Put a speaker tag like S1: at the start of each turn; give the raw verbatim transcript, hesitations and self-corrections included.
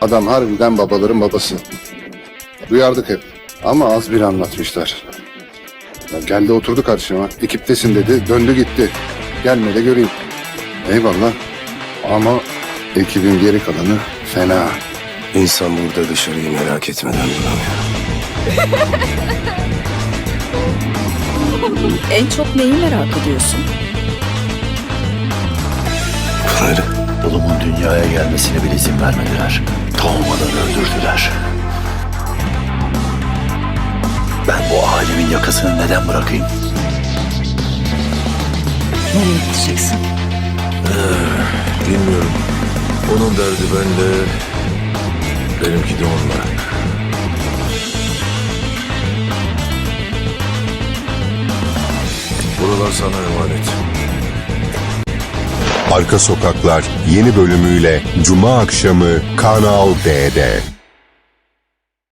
S1: Adam harbiden babaların babası. Duyardık hep. Ama az bir anlatmışlar. Ya geldi oturdu karşıma. Ekiptesin dedi. Döndü gitti. Gelme de göreyim. Eyvallah. Ama ekibin geri kalanı fena.
S2: İnsan burada dışarıyı merak etmeden duramıyor.
S3: En çok neyi merak ediyorsun?
S2: Pınar'ı.
S4: Oğlumun dünyaya gelmesine bile izin vermediler. Doğmadan öldürdüler. Ben bu alemin yakasını neden bırakayım?
S3: Nereye gideceksin?
S5: Bilmiyorum. Onun derdi bende, benimki de onunla. Buralar sana emanet.
S6: Arka Sokaklar yeni bölümüyle Cuma akşamı Kanal D'de.